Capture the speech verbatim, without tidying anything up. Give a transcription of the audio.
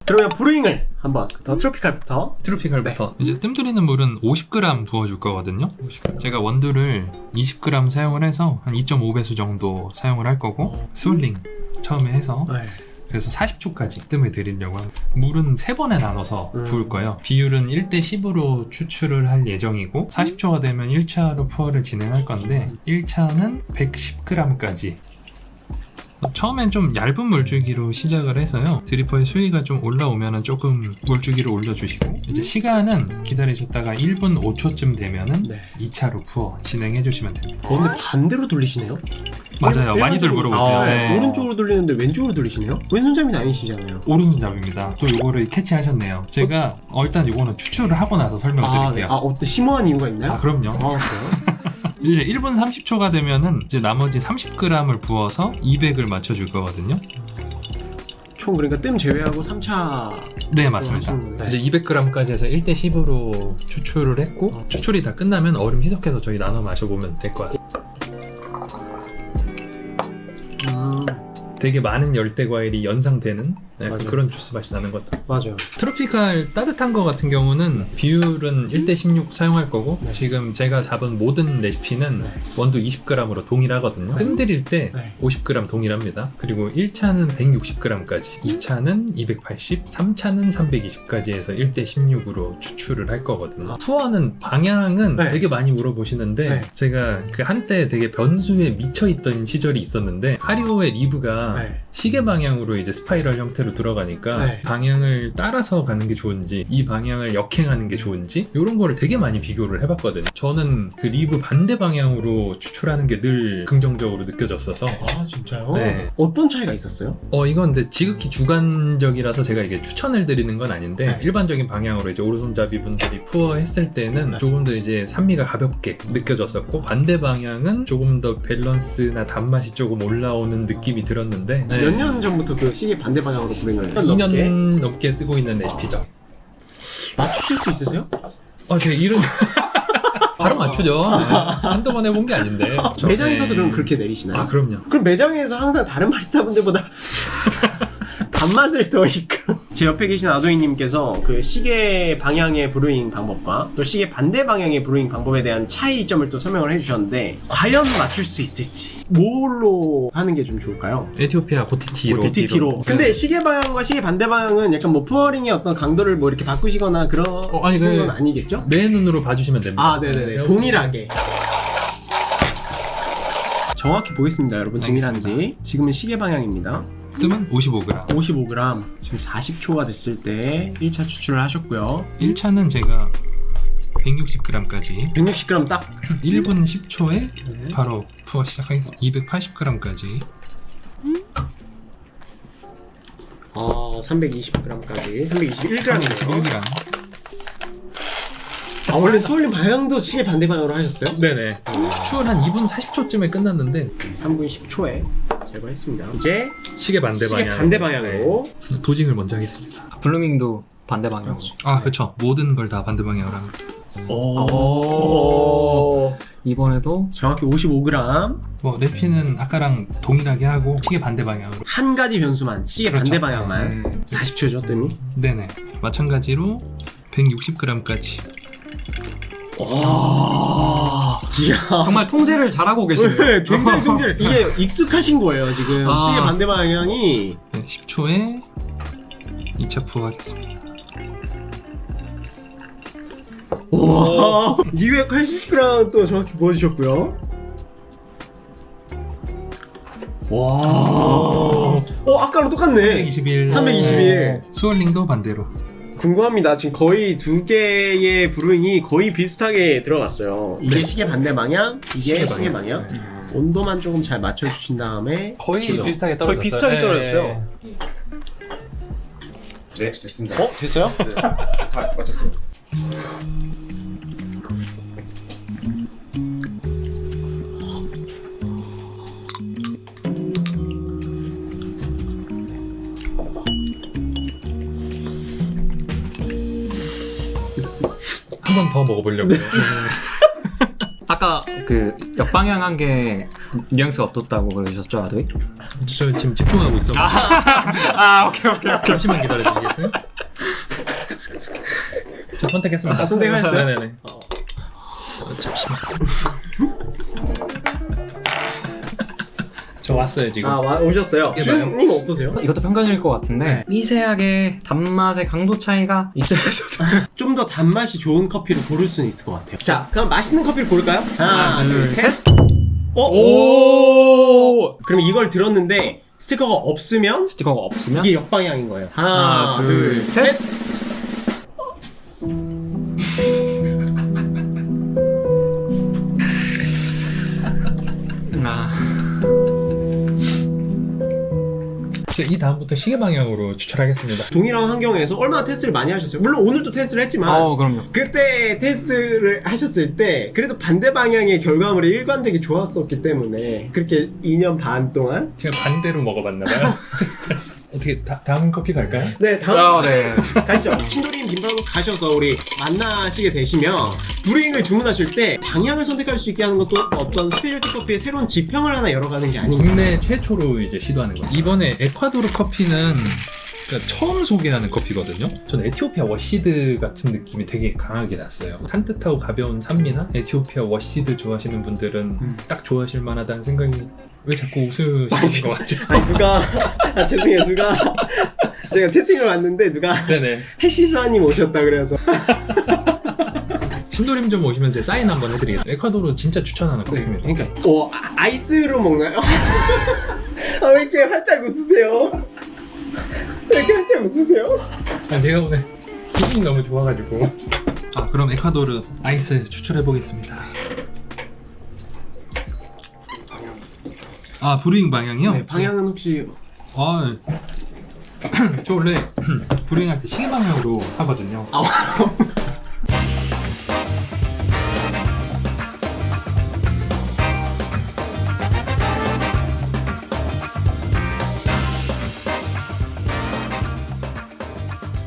그러면 브루잉을 한번 더 트로피칼부터. 트로피칼부터 네. 이제 뜸들이는 물은 오십 그램 부어줄 거거든요. 오십 그램. 제가 원두를 이십 그램 사용을 해서 한 이 점 오 배수 정도 사용을 할 거고 스월링 처음에 해서 네. 그래서 사십 초까지 뜸을 들이려고 합니다. 물은 세 번에 나눠서 음. 부을 거예요. 비율은 일 대 십으로 추출을 할 예정이고 사십 초가 되면 일 차로 푸어를 진행할 건데 일 차는 백십 그램까지 처음엔 좀 얇은 물줄기로 시작을 해서요. 드리퍼의 수위가 좀 올라오면은 조금 물줄기를 올려주시고 이제 시간은 기다리셨다가 일 분 오 초쯤 되면은 네. 이 차로 푸어 진행해 주시면 됩니다. 어, 근데 반대로 돌리시네요? 맞아요. 일- 많이들 일반적으로- 물어보세요. 아, 네. 오른쪽으로 돌리는데 왼쪽으로 돌리시네요? 왼손잡이 아니시잖아요. 오른손잡이입니다. 또 요거를 캐치하셨네요. 제가 어, 일단 요거는 추출을 하고 나서 설명을 아, 네. 드릴게요. 아, 어떤 심오한 이유가 있나요? 아, 그럼요. 아, 그래요? 이제 일 분 삼십 초가 되면은 이제 나머지 삼십 그램을 부어서 이백을 맞춰줄 거거든요. 총 그러니까 뜸 제외하고 삼 차. 네, 맞습니다. 하시는 거예요? 이제 이백 그램까지 해서 일 대 십으로 추출을 했고 어. 추출이 다 끝나면 얼음 희석해서 저희 나눠 마셔보면 될 것 같습니다. 음, 되게 많은 열대 과일이 연상되는 약간 맞아요. 그런 주스 맛이 나는 것 같아요. 맞아요. 트로피칼 따뜻한 거 같은 경우는 비율은 일 대 십육 사용할 거고 네. 지금 제가 잡은 모든 레시피는 네. 원두 이십 그램으로 동일하거든요. 네. 뜸 들일 때 네. 오십 그램 동일합니다. 그리고 일 차는 백육십 그램까지, 이 차는 이백팔십, 삼 차는 삼백이십까지 해서 일 대 십육으로 추출을 할 거거든요. 푸어는 방향은 네. 되게 많이 물어보시는데 네. 제가 그 한때 되게 변수에 미쳐있던 시절이 있었는데 하리오의 리브가 네. 시계 방향으로 이제 스파이럴 형태로 들어가니까 네. 방향을 따라서 가는 게 좋은지 이 방향을 역행하는 게 좋은지 이런 거를 되게 많이 비교를 해봤거든요. 저는 그 리브 반대 방향으로 추출하는 게 늘 긍정적으로 느껴졌어서 아, 진짜요? 네. 어떤 차이가 있었어요? 어 이건 근데 지극히 주관적이라서 제가 이게 추천을 드리는 건 아닌데 네. 일반적인 방향으로 이제 오른손잡이 분들이 푸어 했을 때는 네. 조금 더 이제 산미가 가볍게 느껴졌었고 반대 방향은 조금 더 밸런스나 단맛이 조금 올라오는 느낌이 들었는데 네. 몇 년 전부터 그 시계 반대 방향으로 불행을 이 년 넘게 쓰고 있는 레시피죠. 맞추실 수 있으세요? 아, 제 이름 바로 맞추죠. 네. 한두 번 해본 게 아닌데. 매장에서도 네. 그럼 그렇게 내리시나요? 아, 그럼요. 그럼 매장에서 항상 다른 바리스타분들보다 단맛을 더 이끌어. 제 옆에 계신 아도이님께서 그 시계 방향의 브루잉 방법과 또 시계 반대 방향의 브루잉 방법에 대한 차이점을 또 설명을 해주셨는데 과연 맞출 수 있을지 뭘로 하는 게 좀 좋을까요? 에티오피아 고티티로. 디티티로. 근데 네. 시계 방향과 시계 반대 방향은 약간 뭐 푸어링의 어떤 강도를 뭐 이렇게 바꾸시거나 그런 어, 아니, 그- 건 아니겠죠? 내 눈으로 봐주시면 됩니다. 아, 네네네. 동일하게. 정확히 보겠습니다, 여러분. 동일한지. 알겠습니다. 지금은 시계 방향입니다. 뜸은 오십오 그램. 오십오 그램. 지금 사십 초가 됐을 때 일 차 추출을 하셨고요. 일 차는 제가 백육십 그램까지 백육십 그램 딱. 일 분 십 초에 네. 바로 푸어 시작하겠습니다. 이백팔십 그램까지. 어, 삼백이십 그램까지. 삼백이십일 그램. 삼백이십일 그램. 아, 원래 수월님 방향도 시계 반대 방향으로 하셨어요? 네네. 추출 한 이 분 사십 초쯤에 끝났는데 삼 분 십 초에 제거했습니다. 이제 시계 반대 시계 방향. 반대 방향으로. 네. 도징을 먼저 하겠습니다. 블루밍도 반대 방향으로. 아, 그렇죠. 모든 걸 다 반대 방향으로 합니다. 오. 이번에도 정확히 오십오 그램. 뭐 레피는 아까랑 동일하게 하고 시계 반대 방향으로. 한 가지 변수만, 시계 그렇죠. 반대 방향만. 음, 사십 초죠, 뜸이. 네네. 마찬가지로 백육십 그램까지. 와. 이야. 정말 통제를 잘하고 계시네요. 네, 굉장히 통제를. 이게 익숙하신 거예요, 지금. 아. 시계 반대 방향이. 네, 십 초에 이 차 부어하겠습니다. 와. 이백팔십 그램 또 정확히 보여주셨고요. 와. 어, 아까랑 똑같네. 삼백이십일. 삼백이십일. 스월링도 반대로. 궁금합니다. 지금 거의 두 개의 브루잉이 거의 비슷하게 들어갔어요. 이게 네. 시계 반대 방향, 이게 시계 시계, 방향. 방향. 온도만 조금 잘 맞춰주신 다음에 거의 지금 비슷하게 거의 떨어졌어요. 비슷하게 네. 떨어졌어요. 네, 됐습니다. 어? 됐어요? 네, 다 맞췄어요. 한 번 더 먹어보려고요. 아 아까 그 역방향한 게 뉘앙스가 어떻다고 그러셨죠, 아도이? 저 지금 집중하고 있어. 아, 오케이, 오케이, 오케이. 잠시만 기다려 주시겠어요? 저 선택했습니다. 아, 선택하셨어요? 네네네. 어, 잠시만. 저 왔어요 지금. 아 와, 오셨어요. 이게 주님 어떠세요? 이것도 평가적일 것 같은데 네. 미세하게 단맛의 강도 차이가 있어요. 좀 더 단맛이 좋은 커피를 고를 수는 있을 것 같아요. 자, 그럼 맛있는 커피를 고를까요? 하나, 하나, 둘, 둘, 셋. 어? 오! 그럼 이걸 들었는데 스티커가 없으면 스티커가 없으면 이게 역방향인 거예요. 하나, 하나, 둘, 둘, 셋. 아, 이 다음부터 시계 방향으로 추천하겠습니다. 동일한 환경에서 얼마나 테스트를 많이 하셨어요? 물론 오늘도 테스트를 했지만 어, 그럼요. 그때 테스트를 하셨을 때 그래도 반대 방향의 결과물이 일관되게 좋았었기 때문에 그렇게 이 년 반 동안 제가 반대로 먹어봤나봐요. 어떻게 다, 다음 커피 갈까요? 네 다음 아, 네. 가시죠. 신도림 빈방으로 가셔서 우리 만나시게 되시면 브루잉을 주문하실 때 방향을 선택할 수 있게 하는 것도 어떤 스페셜티 커피의 새로운 지평을 하나 열어가는 게 아닌가. 국내 최초로 이제 시도하는 거예요. 이번에 에콰도르 커피는 그러니까 처음 소개하는 커피거든요. 저는 에티오피아 워시드 같은 느낌이 되게 강하게 났어요. 산뜻하고 가벼운 산미나 에티오피아 워시드 좋아하시는 분들은 음. 딱 좋아하실 만하다는 생각이. 왜 자꾸 웃으시는 것 같죠? 아니 누가 아 죄송해요 누가 제가 채팅을 봤는데 누가 네네. 해시수아님 오셨다 그래서 신도림 좀 오시면 제 사인 한번 해드리겠습니다. 에콰도르 진짜 추천하는 네, 커피입니다. 그러니까 어 아, 아이스로 먹나요? 아, 왜 이렇게 활짝 웃으세요? 왜 이렇게 활짝 웃으세요? 아, 제가 오늘 기분이 너무 좋아가지고. 아 그럼 에콰도르 아이스 추출해보겠습니다. 아 브루잉 방향이요? 네, 방향은 혹시 아, 저 원래 브루잉 할 때 시계 방향으로 하거든요. 아,